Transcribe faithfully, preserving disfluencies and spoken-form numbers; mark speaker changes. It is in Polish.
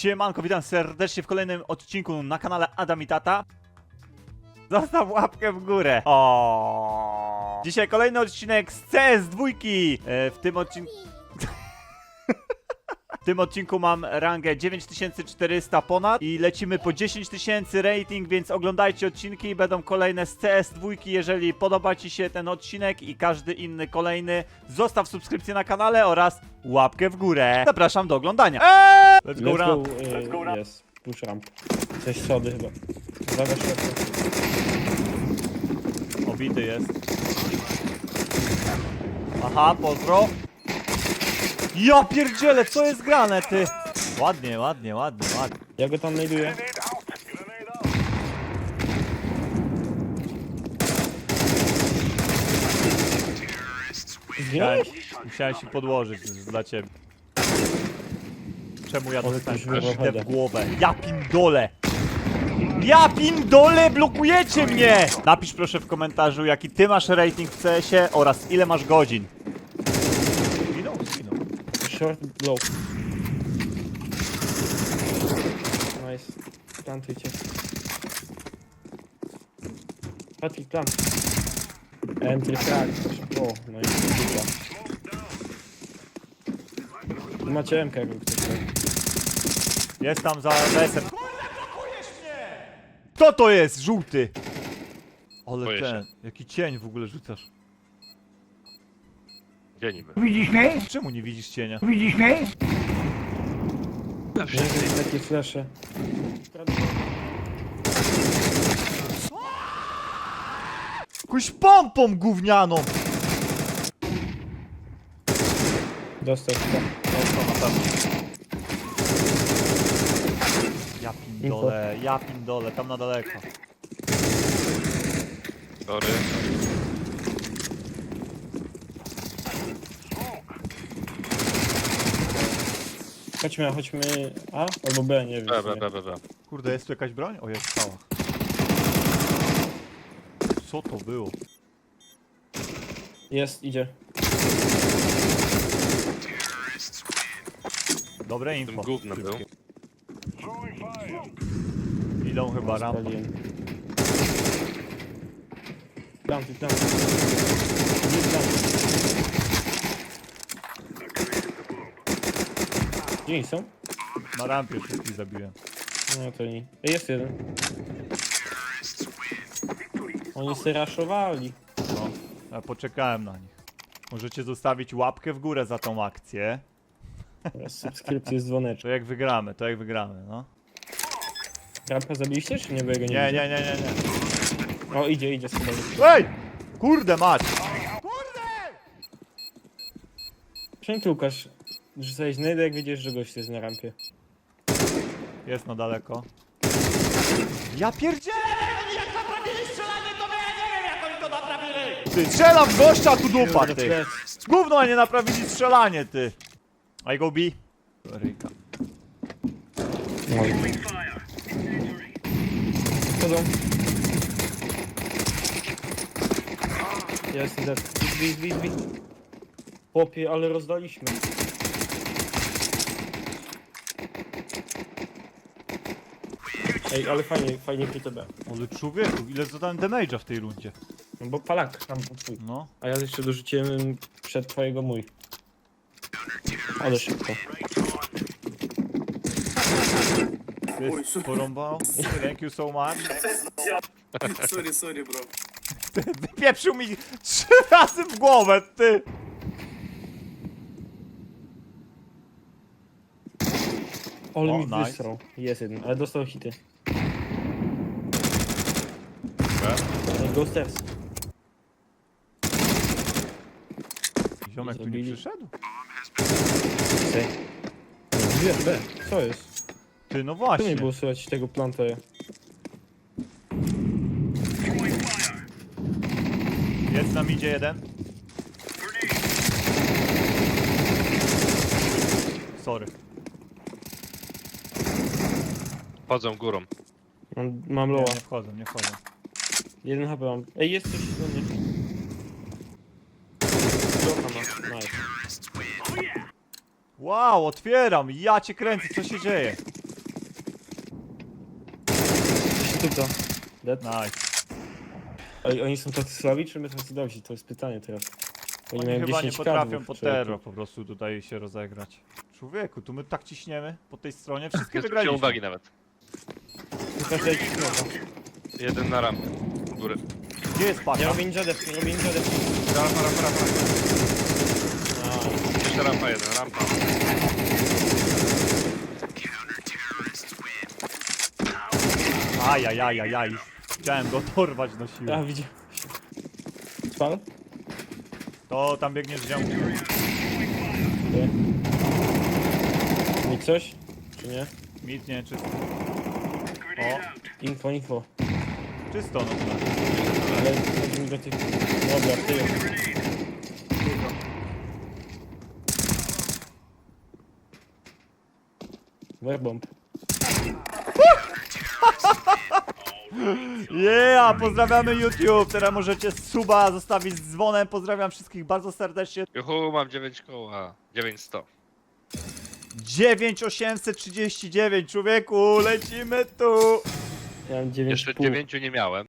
Speaker 1: Siemanko, witam serdecznie w kolejnym odcinku na kanale Adam i Tata. Zostaw łapkę w górę. O. Dzisiaj kolejny odcinek z C S dwa. E, w tym odcinku... W tym odcinku mam rangę dziewięć tysięcy czterysta ponad i lecimy po dziesięć tysięcy rating, więc oglądajcie odcinki i będą kolejne z C S dwa. Jeżeli podoba Ci się ten odcinek i każdy inny kolejny, zostaw subskrypcję na kanale oraz łapkę w górę. Zapraszam do oglądania. Eee! Let's go,
Speaker 2: Let's
Speaker 1: ramp.
Speaker 2: go, Let's go ramp. Jest, push ramp. Coś schody chyba. Uwaga, światło.
Speaker 1: Obity jest. Aha, pozdro. Ja pierdzielę, co jest grane, ty? Ładnie, ładnie, ładnie, ładnie.
Speaker 2: Ja go tam znajduję.
Speaker 1: Musiałem,
Speaker 2: Zginąłeś?
Speaker 1: musiałem się podłożyć dla ciebie. Czemu ja
Speaker 2: Ale
Speaker 1: dostałem
Speaker 2: ktoś wybrał
Speaker 1: idę w
Speaker 2: heada.
Speaker 1: głowę? Ja pindole! Ja pindole, blokujecie mnie! Napisz proszę w komentarzu, jaki ty masz rating w C S ie oraz ile masz godzin. Zginął? Zginął.
Speaker 2: Short low. Nice. Plantujcie. Patrick, plant. Entry frag. O, no i dobra. Tu macie M K, jakby ktoś chciał.
Speaker 1: Jest tam za desem. Kto to jest? Żółty! Ale
Speaker 3: Boję
Speaker 1: ten, jaki cień w ogóle rzucasz.
Speaker 3: Gdzie niby?
Speaker 4: Widzisz mnie?
Speaker 1: Czemu nie widzisz cienia?
Speaker 4: Widzisz mnie?
Speaker 2: Nie wiem, takie flesze.
Speaker 1: Jakąś pompą gównianą!
Speaker 2: Dostał chyba.
Speaker 1: Ja pindole, ja pindole, tam na daleko.
Speaker 3: Sorry.
Speaker 2: Chodźmy, chodźmy A albo B, nie wiem.
Speaker 3: B,
Speaker 2: w sumie.
Speaker 3: B, B, B, B.
Speaker 1: Kurde, jest tu jakaś broń? O, jest stała. Co to było?
Speaker 2: Jest, idzie.
Speaker 1: Dobre
Speaker 3: Tym
Speaker 1: info.
Speaker 3: gównem był.
Speaker 1: Idą chyba rampą.
Speaker 2: Spaliłem. Planty, planty. Nie planty. Gdzie oni są?
Speaker 1: Na rampie wszystkich zabiłem.
Speaker 2: No to nie. Ej, jest jeden. Oni se raszowali.
Speaker 1: No, ja poczekałem na nich. Możecie zostawić łapkę w górę za tą akcję.
Speaker 2: Teraz subskrypcje z dzwoneczkiem.
Speaker 1: To jak wygramy, to jak wygramy, no.
Speaker 2: Rampa zabiliście, czy nie? Bo ja go nie
Speaker 1: Nie,
Speaker 2: widzę.
Speaker 1: nie, nie, nie, nie.
Speaker 2: O, idzie, idzie sobie.
Speaker 1: Ej! Kurde mać!
Speaker 2: Czemu ty, Łukasz, rzucałeś znajdę, jak wiedziesz, że gość jest na rampie?
Speaker 1: Jest na daleko. Ja pierdzielę! Jak naprawili strzelanie, to ja nie wiem, jak oni to naprawili! Ty, strzelam w gościa, a tu dupa, ty! Gówno, a nie naprawili strzelanie, ty! I go B. Ryjka.
Speaker 2: Chodzą. Ja jestem dead. Zbij, zbij, zbij. Chłopie, ale rozdaliśmy. Ej, ale fajnie, fajnie P T B.
Speaker 1: Ale człowieku, ile zadałem damage'a w tej rundzie.
Speaker 2: No bo palak tam twój.
Speaker 1: No.
Speaker 2: A ja jeszcze dorzuciłem przed twojego mój. Ale szybko.
Speaker 1: Ty porąbał. Thank you so much.
Speaker 5: Sorry, sorry, bro.
Speaker 1: Wypieprzył mi trzy razy w głowę, ty!
Speaker 2: Ale
Speaker 1: O,
Speaker 2: mi
Speaker 1: nice.
Speaker 2: wysrał. Jest jeden, ale dostał hity. Ej, Go stairs.
Speaker 1: Ziomek tu nie
Speaker 2: Zabili.
Speaker 1: przyszedł?
Speaker 2: Ej. Nie, B. Co jest?
Speaker 1: Ty, no
Speaker 2: Tu nie
Speaker 1: właśnie.
Speaker 2: było słychać tego planta.
Speaker 1: Jest na midzie jeden. Sorry.
Speaker 3: Chodzą górą.
Speaker 2: Mam, mam
Speaker 1: Nie,
Speaker 2: loa.
Speaker 1: nie wchodzą, nie wchodzą.
Speaker 2: Jeden H P mam. Ej, jest coś do mnie. Loka ma. Nice.
Speaker 1: Wow, otwieram! Ja cię kręcę, co się dzieje?
Speaker 2: Suto. Dead.
Speaker 1: Nice.
Speaker 2: Ej, oni są tacy słabi, czy my tacy dobrzy? To jest pytanie teraz. Oni,
Speaker 1: Oni
Speaker 2: mają
Speaker 1: chyba nie
Speaker 2: dziesięć
Speaker 1: potrafią
Speaker 2: kadłub,
Speaker 1: po
Speaker 2: człowieku.
Speaker 1: terror po prostu tutaj się rozegrać. Człowieku, tu my tak ciśniemy po tej stronie, wszystkie
Speaker 3: Nie zwróciłem
Speaker 1: wygraliśmy.
Speaker 3: uwagi nawet.
Speaker 2: Tylko że jakiś smoka.
Speaker 3: Jeden na rampę. U góry.
Speaker 1: Gdzie jest
Speaker 2: Nie
Speaker 1: paka?
Speaker 2: robię ninja def, nie robię ninja def.
Speaker 3: Rampa, rampa, rampa.
Speaker 2: A,
Speaker 3: Jeszcze rampa jeden, rampa.
Speaker 1: Ajajajajaj. Chciałem go dorwać na siłę.
Speaker 2: a widziałem. Spal?
Speaker 1: To tam biegniesz z ziomkiem.
Speaker 2: Nie. Mi coś? Czy nie?
Speaker 1: Mit nie, czysto. O,
Speaker 2: Info, info.
Speaker 1: czysto no to.
Speaker 2: Ale chodzi mi do tych... Dobra, ty. Werbomb.
Speaker 1: Yeah, pozdrawiamy YouTube. Teraz możecie suba zostawić z dzwonem. Pozdrawiam wszystkich bardzo serdecznie.
Speaker 3: Juhu, mam dziewięć koła. dziewięć sto.
Speaker 1: dziewięć tysięcy osiemset trzydzieści dziewięć, człowieku, lecimy tu.
Speaker 2: Ja mam dziewięć
Speaker 3: Jeszcze dziewięciu nie miałem.